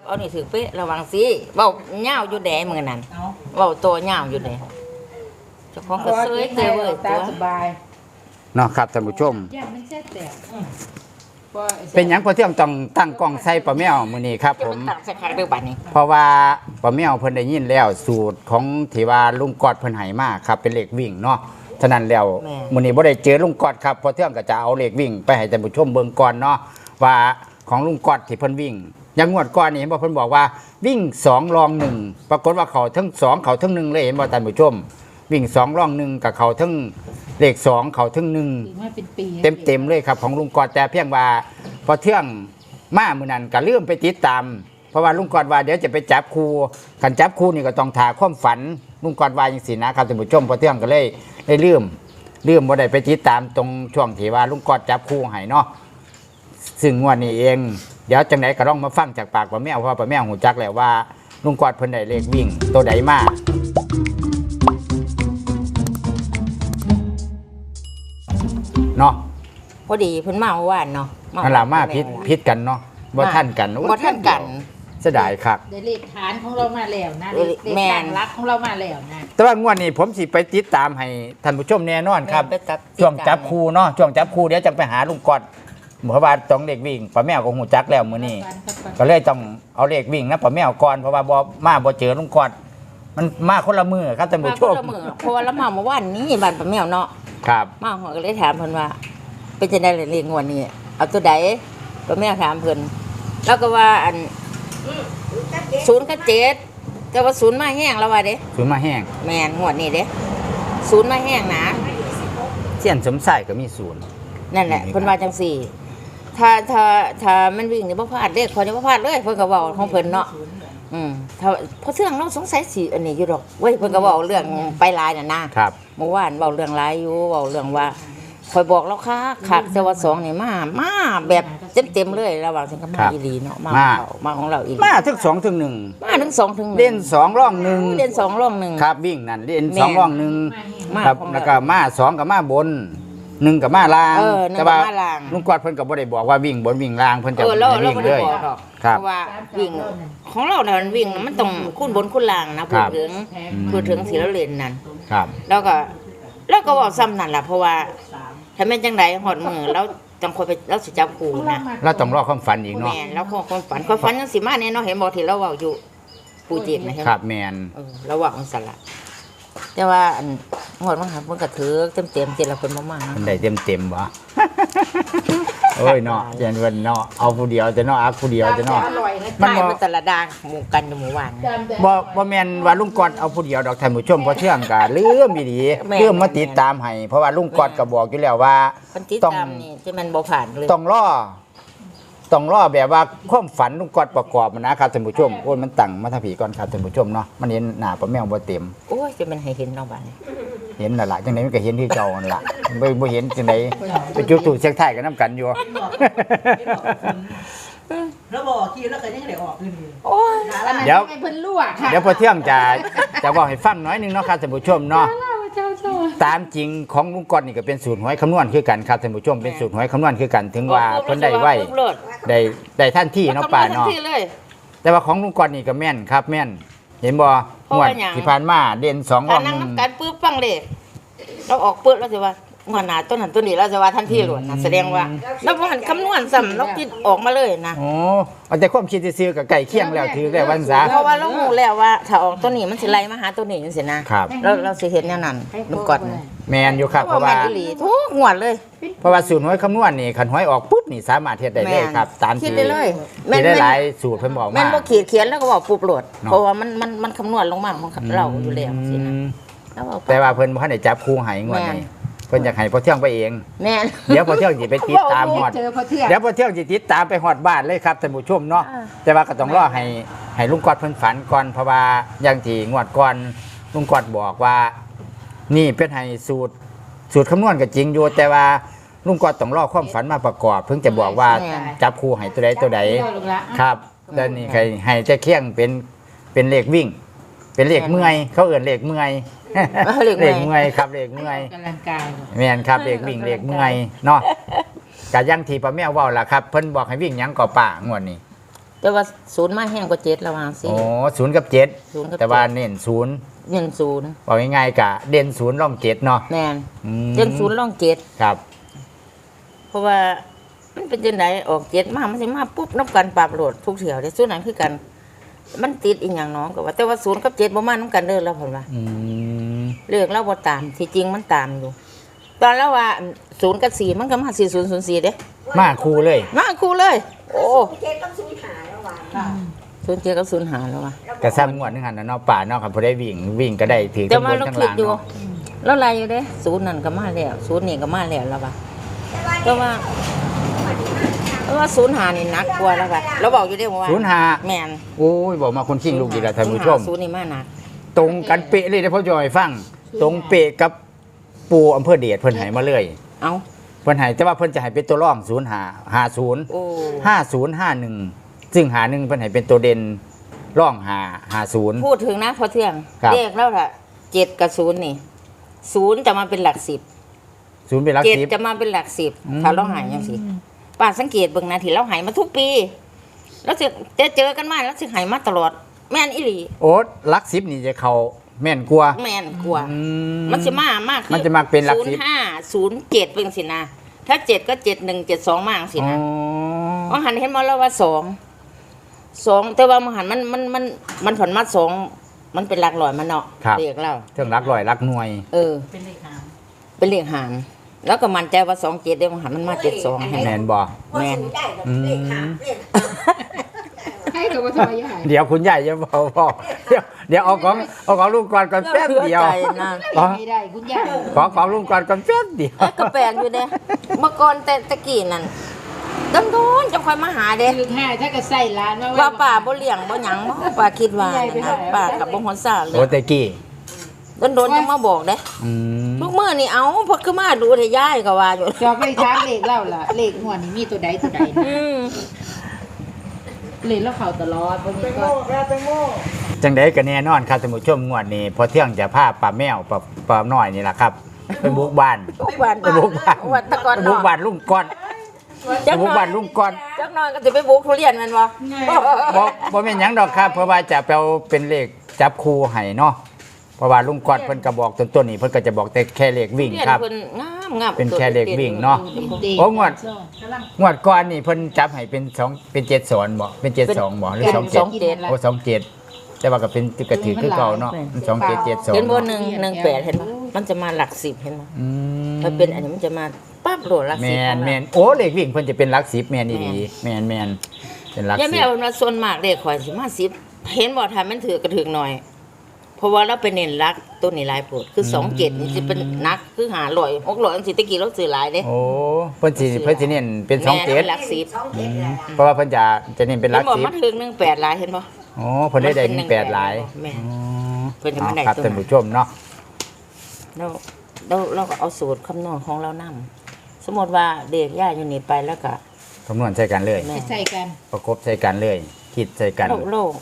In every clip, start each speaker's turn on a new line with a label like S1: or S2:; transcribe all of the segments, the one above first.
S1: เอานี่ถือเป๊ะระวังสิเว้าเหย้าอยู่แดมื้อนั้นเว้าตัวเหย้าอยู่แดเจ้าของก็เซยเจอเว้ยตัว
S2: สบาย
S3: เนาะครับท่านผู้ชม
S2: ย่ามันแซ่บแต่
S3: เป็นหยังพอเที่ยงต้องตั้งกล้องใส่ป้าแมวมื้อนี้ครับผม
S1: ตักใส่คักเด้อบัดนี้
S3: เพราะว่าป้าแมวเพิ่นได้ยินแล้วสูตรของที่ว่าลุงกอดเพิ่นให้มาครับเป็นเลขวิ่งเนาะฉะนั้นแล้วมื้อนี้บ่ได้เจอลุงกอดครับพอเที่ยงก็จะเอาเลขวิ่งไปให้ท่านผู้ชมเบิ่งก่อนเนาะว่าของลุงกอดที่เพิ่นวิ่งอย่างงวดก่อนนี่เห็นบ่เพิ่นบอกว่าวิ่ง2รอง1ปรากฏว่าเขาทั้ง2เขาทั้ง1เลยเห็นบ่ท่านผู้ชมวิ่ง2รอง1กับเขาทั้งเลข2เขาทั้ง1
S2: มาเป็นปี
S3: เต็มเลยครับของลุงกอดแต่เพียงว่าพอเที่ยงมามื้อนั้นก็ลืมไปติดตามเพราะว่าลุงกอดว่าเดี๋ยวจะไปจับครูคันจับครูนี่ก็ต้องถ่าความฝันลุงกอดว่าจังซี่นะครับท่านผู้ชมพอเที่ยงก็เลยได้ลืมบ่ได้ไปติดตามตรงช่วงที่ว่าลุงกอดจับครูให้เนาะซึ่งงวดนี้เองเดี๋ยวจังไดก็ต้องมาฟังจากปากป้าแมวเพราะว่าป้าแมวหูจักแล้วว่าลุงกอดเพิ่นได้เลขวิ่งตัวใดมาเนาะ
S1: พอดีเพิ่นมาเมื่อวานเนาะ
S3: นั่นล่ะมาพิษกันเนาะบ่ทันกัน
S1: บ่ทันกัน
S3: เสียดายครับ
S2: ได้เลขฐานของเรามาแล้วนะเลข
S1: แม่น
S2: ต่างรักของเรามาแล้วนะ
S3: แต่ว่างวดนี้ผมสิไปติดตามให้ท่านผู้ชมแน่นอนครับ
S1: ไปตัด
S3: ช่วงจับครูเนาะช่วงจับครูเดี๋ยวจะไปหาลุงกอดเพราะว่าต้องเลขวิ่งป้าแมวก็หูจักแล้วมื้อนี้ก็เลยต้องเอาเลขวิ่งนะป้าแมวก่อนเพราะว่าบ่เจอลุงกอดมันมาคนละมือครับท่าน
S1: มา
S3: ผู้ช
S1: คน
S3: ม
S1: ละมื้อเพราะว่าเรามาเมื่อวานนี้บ้านป้าแมวเนาะ
S3: ครับ
S1: มาหัวก็เลยถามเพิ่นว่า เป็นจังได๋เลขงวดนี้เอาตัวใดป้าแมวถามเพิ่นแล้วก็ว่าอัน0กับ7แต่ว่า0มาแห้งแล้วว่าเด้
S3: ศูนย์มาแห้ง
S1: แม่นงวดนี้เด้0มาแห้งนะ
S3: เสี้ยนสมใส่ก็มีศูนย์
S1: นั่นแหละเพิ่นว่าจังซี่ถ้ามันวิ่งนี่บ่พลาดเด้ขอจะบ่พลาดเลยเพิ่นก็เว้าของเพิ่นเนาะถ้าเพราะเรื่องเราสงสัยสิอันนี้อยู่ดอกเว้ยเพิ่นก็เว้าเรื่องไปหลายน่ะนะครับ เมื่อวานเว้าเรื่องหลายอยู่เว้าเรื่องว่าคอยบอกแล้วคักแต่ว่า2นี่มาแบบเต็มๆเลยระหว่างฉันก็มาอีหลีเนาะมาของเราอีหลี
S3: มาถึง2ถึง1
S1: มาถึง2ถึง1
S3: เล่น2ร่อง1
S1: เล่น2ร่อง1
S3: ครับวิ่งนั่นเล่น
S1: แม่น
S3: 2ร่อง
S1: มา
S3: 1ครับ
S1: ของเรา
S3: แล้วก็มา2กับมาบน1กับมาล่าง
S1: หนึ่ง
S3: แต่
S1: กับ
S3: ว่า
S1: มาล่าง
S3: ลุงกอดเพิ่นก็บ่ได้บอกว่าวิ่งบนวิ่งล่างเพิ่นจะ
S1: เรา
S3: ให้วิ่ง
S1: ไม่
S3: เล
S1: ได้
S3: ย
S1: บอกหรอก
S3: ครับ
S1: เพราะว่าวิ่งของเราเนี่ยมันวิ่งมันต้องคูณบนคูณล่างนะ
S3: ค
S1: พู
S3: รั
S1: ด
S3: บ
S1: ถึงสีเราเล่นนั่น
S3: ครับ
S1: แล้วก็บอกซ้ำนั่นแหละเพราะว่าถ้าแม่นจังไดหอดมือแล้วจังคอยไปแล้วสิจับครูนะ
S3: เราต้องรอความฝันอีกเนาะ
S1: แม่นแล้วความฝันยังสิมาแน่เนาะเห็นบอกที่เราเว้าอยู่ปูเจ็บนะใช่ไหม
S3: ครับแมน
S1: เราเว้าจังซั่นล่ะแต่ว่าอันหอดมันหาเพิ่นก็ถือเต็มๆที่ละเพิ่นบ่มา
S3: มันได้เต็มบ่ โอ้ยเนาะเจนเพิ่นเนาะเอาผู้เดียวจะเนาะอักผู้เดียวจะเนาะ
S2: อร่อยนะ
S3: มัน
S1: ใช่
S3: บ่
S1: มันแต่ละดาหมู่กันอยู่หมู่บ้าน
S3: บ่แม่นว่าลุงกอดเอาผู้เดียวดอกท่านผู้ชมเพราะเชื่องก็ลืมอีหลี
S1: แม่น
S3: ลืมมาติดตามให้เพราะว่าลุงกอดก็บอกอยู่แล้วว่า
S1: เพิ่นติด
S3: ต้อง
S1: ตามนี่ที่มันบ่ผ่านเลย
S3: ต้องรอแบบว่าความฝันลุงกอดประกอบมันนะครับท่านผู้ชมโอ้ยมันตั้งมาทางผีก่อนครับท่านผู้ชมเนาะมันเห็นหน้าป้าแมวบ่เต็ม
S1: โอ้ยจะมันให้เห็นเนาะบ้านนี้
S3: เห็นน่ะล่ะจังไดมันก็เห็นที่เก่านั่นล่ะบ่เห็นจังไดไปจุดธูปเสียงไทายกันนํกันอยู่
S4: แล้วบอกทีแล้วก็ยังได้ออกอยู่นี่
S1: โอ้ย
S3: เดี๋ยว
S2: ให้เพิ่นลวกค่ะ
S3: เดี๋ยวพอเที่ยงจะบอกให้ฟังน้อยหนึงเนาะครับท่านผู้ชมเนาะ
S2: เจ้าโซ่
S3: ตามจริงของลุงกอดนี่ก็เป็นสูตรหวยคำนวณคือกันครับท่านผู้ชมเป็นสูตรหวยคำนวณคือกันถึงว่าเพิ่นได้ไว้ได้ท่านที่เนาะป่าเนาะ
S1: เลย
S3: แต่ว่าของลุงกอดนี่ก็แม่นครับแม่น เห็นบ่
S1: เพราะ
S3: งว
S1: ว่า
S3: ด
S1: หยัง
S3: ที่ผ่านมาเด่น2ร
S1: ถ้า
S3: อง
S1: นั่งน้ำกันปื๊บฟังเลยเราออกปื๊บแล้วสิว่าหัวหน้าต้นนั้นต้นนี้เราจะว่าทันทีหลวนนะแสดงว่าเราบ่หันคำนวณซ้ำเราคิดออกมาเลยนะ
S3: โอ้เอาแต่ความคิดซื่อๆกับไก่เคียงแล้วถือแล้ววันซะ
S1: เพราะว่าเรารู้แล้วว่าถ้าออกตัวนี้มันสิไล่มาหาตัวนี้จังซี่นะครับ เราสิเห็นแนวนั้นลุงกอดนะ
S3: แม่นอยู่ครับเพราะว่า
S1: แม่นอีหลีทุกงวดเลย
S3: เพราะว่าสูตรหวยคำนวณนี่คันหวยออกปุ๊บนี่สามารถเฮ็ดได้เลยครับตาม
S1: คิด
S3: ที่
S1: ได้เลย
S3: ที่ได้หลายสูตรเพิ่นบอก
S1: แม่
S3: มาน
S1: บ่ขีดเขียนแล้วก็บอกปุ๊บโหลด
S3: เนาะ
S1: เพราะว่ามันคำนวณลงมาของเราอยู่แล้วสินะแล้วบอก
S3: แต่ว่าเพิ่นบ่ทันได้จับคู่ให้งวดนี้เพิ่นอยากให้พอเที่ยงไปเอง
S1: แม่น
S3: เดี๋ยวพอเที่ยงสิไปติดตามฮอด
S2: เจอพอเที่ยง
S3: เดี๋ยวพอเที่ยงสิติดตามไปฮอดบ้านเลยครับท่านผู้ชมเนาะ
S1: อ่า
S3: แต่ว่าก็ต้องรอให้ลุงกอดเพิ่นฝันก่อนเพราะว่าอย่างที่งวดก่อนลุงกอดบอกว่า นี่เป็นให้สูตรคำนวณก็จริงอยู่แต่ว่าลุงกอดต้องรอความฝันมาประกอบเพิ่งจะบอกว่าจับคู่ให้ตัวใดตัวใด
S2: ลูกละ
S3: ครับแล้วนี่ใครให้จะเคียงเป็นเลขวิ่ง เป็นเลขเมื่อยเขาเอื่นเลขเมื่อย เลขเมื่อยครับเลขเมื่อย
S2: กำลังกาย
S3: แม่นครับเลขวิ่งเลขเมื่อยเนาะกะยังที่ป้าแมวเว้าล่ะครับเพิ่นบอกให้วิ่งหยังก่อป่างวดนี้
S1: ตแต่ว่าศูนย์มาแห้งกว่าเจ็ดระหว่างสิ
S3: โอ้ศูนย์กับเจ็ด
S1: ศูนย์กับ
S3: แต่ว่าเน้นศูนย์
S1: เงินศูนย์
S3: บอกง่ายๆกะเด่นศูนย์ร่องเจ็ดเนาะ
S1: แม่น
S3: อืม
S1: เงินศูนย์ร่องเจ็ด
S3: ครับ
S1: เพราะว่ามันเป็นจังไดออกเจ็ดมามันสิมาปุ๊บนับกันปรับโหลดทุกเถียวได้ศูนย์นั้นคือกัน มันติดอีกอย่างน้องก็ว่าแต่ว่าศูนย์กับเจ็ดบ่มานํกันเด้อแล้วเพิ่นว่า
S3: อืม
S1: เลือกแล้วบ่ตามที่จริงมันตามอยู่ ตอนแล้วว่าศูนย์กับสี่มันก็มา4004เด้
S3: มาคู่เลย
S1: มาคู่เลย โอ้
S5: เจ็ดต้องสูญหายแล้วว่ะ
S4: ค่ะ
S1: 07กับ05แล้วว่ะ
S3: กระซ้ำงวดนึงหันนะเนาะป่าเนาะครับพอได้วิ่งก็ได้ถือ
S1: แต่
S3: ทั้งบ
S1: ว่าน เรา
S3: ทั้ง
S1: คิด
S3: ล่าง
S1: อยู่
S3: เนาะ
S1: แล้วอะไรอยู่เด้ศูนย์นั่นก็มาแล้วศูนย์นี่ก็มาแล้วแล้วว่ะแต่ว่าศูนย์หานี่หนักกว่าแล้วว่ะเราบอกอยู่เด้ว่า
S3: ศูนย์ห้า
S1: แม่น
S3: โอ้ยบอกมาคนขิงลูกดีแล้วท่านผู้ชม
S1: ศูนย์นี่มาหนัก
S3: ตรงกันเป๊ะเลยนะพ่อจอยฟัง ตรงเป๊ะกับปูอำเภอเดชเพิ่นให้มาเลย
S1: เอ้า
S3: เพิ่นให้แต่ว่าเพิ่นจะให้เป็นตัวร่อง0550
S1: โอ้
S3: 5051ซึ่ง51เพิ่นให้เป็นตัวเด่นร่อง50
S1: พูดถึงนะพอเที่ยง
S3: ครับ
S1: เรียกแล้วล่ะ7กับ0นี่0จะมาเป็นหลัก10
S3: ศูนย์เป็นหลัก
S1: 7
S3: 10
S1: จะมาเป็นหลัก
S3: อืม
S1: 10ถ้าเราหายจังซี่ป้าสังเกตเบิ่งนะที่เราหายมาทุกปี แล้วสิเจอกันมาแล้วสิหายมาตลอด แม่นอีหลี
S3: โอ๊ตหลัก10นี่จะเข้าแม่นกว่า
S1: แม่นกว่า
S3: อื
S1: มันจะมาก
S3: มันจะมาเป็นหลัก
S1: 05 07เป็นสินะถ้า7ก็71 72มาจังสิ
S3: อ๋อ
S1: นะว่าหันเห็นมาแล้วว่า2แต่ว่ามันหันมันผันมา2มันเป็นหลักร้อยมันเนาะ
S3: ครับ
S1: เรียกเรา
S3: เรื่องหลักร้อยหลักหน่วย
S1: เออ
S4: เป็นเลขหาง
S1: เป็นเลขหางแล้วก็มั่นใจว่า27ได้มันหันมันมา72เห็นไหม
S3: แม่นบ่
S5: พอสูญได้ก็เลขหางเลข
S2: ให้กับว่าทำไมใหญ่
S3: เดี๋ยวคุณใหญ่จะบอกพ่อเดี๋ยวเอาของลุงก่อนก่อนแป๊บเดียว
S1: ใจนะ
S2: ไม่ได้คุณยาย
S3: ของลุงก่อนก่อนแป๊บเดียว
S1: เอ้ยก็แปลกอยู่เด้เมื่อก่อนแต่ตะกี้นั่นโดนจะค่อยมาหาเด้
S2: คือให้ถ้าก็ใส่ร้านว่า
S1: ว่าป่าบ่เลี้ยงบ่หยังบ่ป่าคิดว่านั่นนะป่ากับบ่ฮอนซ่าเล
S3: โอ้
S1: ย
S3: แต่กี้
S1: โดนๆยังมาบอกเด้
S3: อืม
S1: ทุกมื้อนี่เอาเพิ่นคือมาดูแต่ยายก็ว่าอยู่
S2: จอไปถามเลขเล่าล่ะเลขหัวนี่มีตัวใดตัวใดนะ
S1: อืม
S2: เลขแล้วเขาตลอดบางทีก็
S3: จังไดก็แน่นอนครับท่านผู้ชมงวดนี้พอเที่ยงจะพาป้าแมวป้าน้อยนี่ล่ะครับไปบุกบ้าน
S1: ทุกวัน
S3: ไปบุกบ้าน
S1: วันตะกอน
S3: ไปบุกบ้านลุงก่อนไป
S1: จัก
S3: บุก
S1: หน่อ
S3: บ้าย นลุงก่อน
S1: จักหน่อยก็สิไปบุกทุเรียนแม่นบ่
S3: บ่แม่นหยังดอกครับเพราะว่าจะไปเอาเป็นเลขจับคู่ให้เนาะเพราะว่าลุงก่อนเพิ่นก็บอกต้นๆนี่เพิ่นก็จะบอกแต่แค่เลขวิ่ง
S1: เรียน
S3: ครับ
S1: เพิ่นงาม
S3: เป็นแค่เลขวิ่งเนาะ โอ้งวด งวดก่อนนี่เพิ่นจับให้เป็น2เป็น7สอนบ่เป็น72บ่หรือ27โอ้27แต่ว่าก็เป็นกระถือคือเก่าเนาะ27 72
S1: เห็นบ่118เห็นบ่มันจะมาหลัก10เห็นบ่
S3: อืม
S1: ถ้าเป็นอันนี้มันจะมาปั๊บโหลดหลัก
S3: แม
S1: 10
S3: นแมนโอ้เลขวิ่งเพิ่นจะเป็นหลัก10แมนอีหลีแมนเป็นหลัก
S1: ยังไม่
S3: 10
S1: เอามาส่วนมากเลขข่อยสิมา10เห็นบ่ถ้ามันถือกระถือหน่อย เพราะว่าเราไปเน้นรักตัวนี้หลายโพดคือ27นี่สิเป็นนักคือ500 600จังซี่ตะกี้เราซื้อหลายเด้
S3: โอ้เพิ่นสิเน้นเป็น
S1: แม่นหลัก
S5: สองเจ็ดแหละ
S3: 27เพราะว่าเพิ่นจะเน้นเป็นห
S1: เห็
S3: ลั
S1: น
S3: ก
S1: บ่มันถึง18หลายเห็นบ่
S3: 10โอ้เพิ่นได้18หลาย
S1: แม่น
S3: อ๋อ
S1: เพิ่นจะมาได้
S3: ครับ
S1: ตัวนั้น
S3: ท่านผู้ชมเนาะ
S1: เราก็เอาสูตรคำนวณของเรานำ สมมติว่าเด็กย่าอยู่นี่ไปแล้วก็
S3: คำนวณใส่กันเลย
S1: แม่
S2: ใส่กัน
S3: ประกบใส่กันเลย คิดใส่กัน
S1: โลก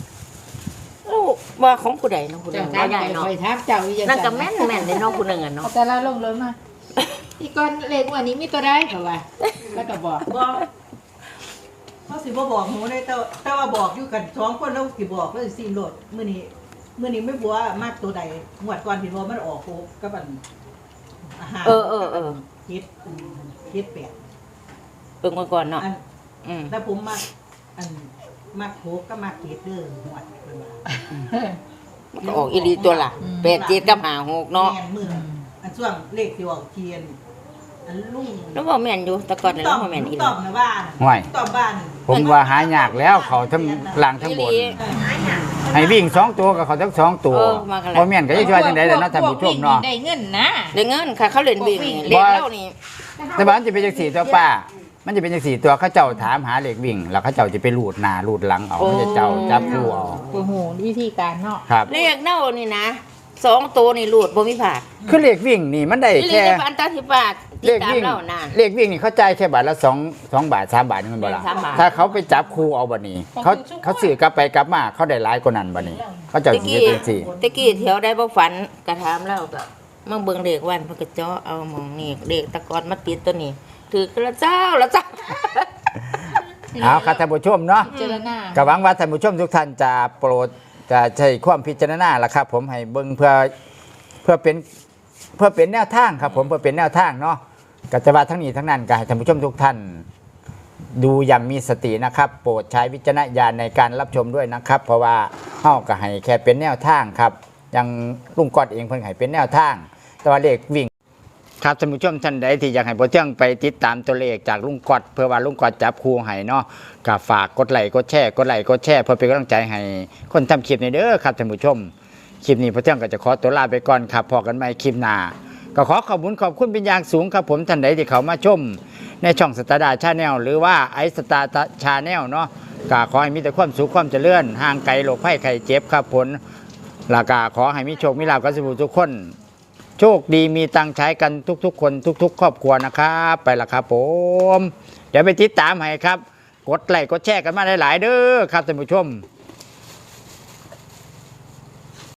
S1: ว่าของผู้ใดเน้องผู้ใด
S2: เจ้า
S1: ว่า
S2: ถาม
S1: ใหญ่
S2: ไป
S1: เนาะ
S2: คอยถามเจ้าอีหยัง
S1: นั่นก็แม่นเลยเน้องผู้หนึ่งอะเนาะ
S2: เอาแต่ละลงเลยมาอีกก่อนเลขหัวนี้มีตัวใดเขาว่าแล้วก็บอก
S4: บอกเขาสิบ่บอกหนูได้แต่ว่าบอกอยู่กันสองคนแล้วสิบอกแล้วสิซีมโหลดมื้อนี้ไม่บัวมากตัวใดงวดก่อนพี่บัวมันออกโคกับอันอาหาร
S1: เออ
S4: เฮ็ดแปด
S1: เบิ่งก่อนเนาะ
S4: อัน
S1: อืม
S4: แต่ผมมักอันมักโคก็มักเฮ็ดเด้อหวดเพิ่นว่า
S1: มันก็ออกอีหลีตัวละ87กับ56เนาะ
S4: แม่นมืออันช่วงเลขที่ออกเทียนอันลุง
S1: แล้วบ่แม่นอยู่แต่ก่อนน่ะบ่แม่นอีห
S4: ต
S1: ลี
S4: อบนะบ้าน
S3: ห่วย
S4: ตอบบ้าน
S3: ผมว่าหายากแล้วเขาทั้งล่างทั้งบน ให้วิ่ง2ตัวกับเขาทั้ง2ตัวบ่แม่นก็จะช่วยจังได๋ล่ะเนาะท่านผู้ชมเนาะ
S2: ได้เงินนะ
S1: ได้เงินค่ะเขาเล่นวิ่งนี่เล่นแล้วนี่
S3: แต่ว่ามันจะเป็นจังสี่ตัวป้า มันจะเป็นจังสี่ตัวเขาเจ้าถามหาเลขวิ่ง แล้วเขาเจ้าจะไปรูดหน้ารูดหลังเอาเขาจะเจ้าจับคู่เอา
S2: โอ้โหวิธีการเนาะ
S3: ครับ
S1: เลขเน่านี่นะ2ตัวนี่รูดบ่มีผาด
S3: คือเลขวิ่งนี่มันได้
S1: อีหลี
S3: แค่
S1: ได้พันตาสิบบาท
S3: เล
S1: ติด
S3: ข
S1: ตาม
S3: วิ่ง
S1: เรานะ
S3: เลขวิ่งนี่เขาจ่ายแค่บาทละ2บาท3บาทนี่มันบ่ล่ะ
S1: 3บาท
S3: ถ้าเขาไปจับคู่เอาบัดนี้เขาซื้อกลับไปกลับมาเขาได้หลายกว่านั้นบัดนี้ เขาเจ้า
S1: ตะ
S3: สิ
S1: กี้
S3: เฮ็ดจังซี่
S1: ตะกี้แถวได้บ่ฝันกระถามเราก็มาเบิ่งเลขวันเพิ่นก็เจาะเอาหมองนี่เลขตะกอนมาติดตัวนี้ถือกระเจ้าละจ้า
S3: เอาครับท่านผู้ชมเนาะ
S2: พิจารณา
S3: ก็หวังว่าท่านผู้ชมทุกท่านจะโปรดจะใช้ความพิจารณาละครับ ผมให้เบิ่งเพื่อเป็นแนวทางครับ ผมเพื่อเป็นแนวทางเนาะก็จะว่าทั้งนี้ทั้งนั้นก็ให้ท่านผู้ชมทุกท่าน ดูอย่างมีสตินะครับ โปรดใช้วิจารณญาณในการรับชมด้วยนะครับ เพราะว่าเฮาก็ให้แค่เป็นแนวทางครับอย่างลุงกอดเองเพิ่นให้เป็นแนวทาง แต่ว่าเลขวิ่งครับท่านผู้ชมท่านใดที่อยากให้พ่อเที่ยงไปติดตามตัวเลขจากลุงกอดเพื่อว่าลุงกอดจับคู่ให้เนาะก็ฝากกดไลค์กดแชร์เพื่อเป็นกำลังใจให้คนทำคลิปในเด้อครับท่านผู้ชมคลิปนี้พ่อเที่ยงก็จะขอตัวลาไปก่อนครับพอกันใหม่คลิปหน้าก็ขอขอบคุณเป็นอย่างสูงครับผมท่านใดที่เขามาชมในช่องสตาร์ดาชาแนลหรือว่าไอสตาร์ชาแนลเนาะก็ขอให้มีแต่ความสุขความเจริญห่างไกลโรคภัยไข้เจ็บครับผลแล้วก็ขอให้มีโชคมีลาภกันทุกคนโชคดีมีตังค์ใช้กันทุกๆคนทุกๆครอบครัวนะครับไปละครับผมเดี๋ยวไปติดตามให้ครับกดไลค์กดแชร์กันมาหลายๆเด้อครับท่านผู้ชม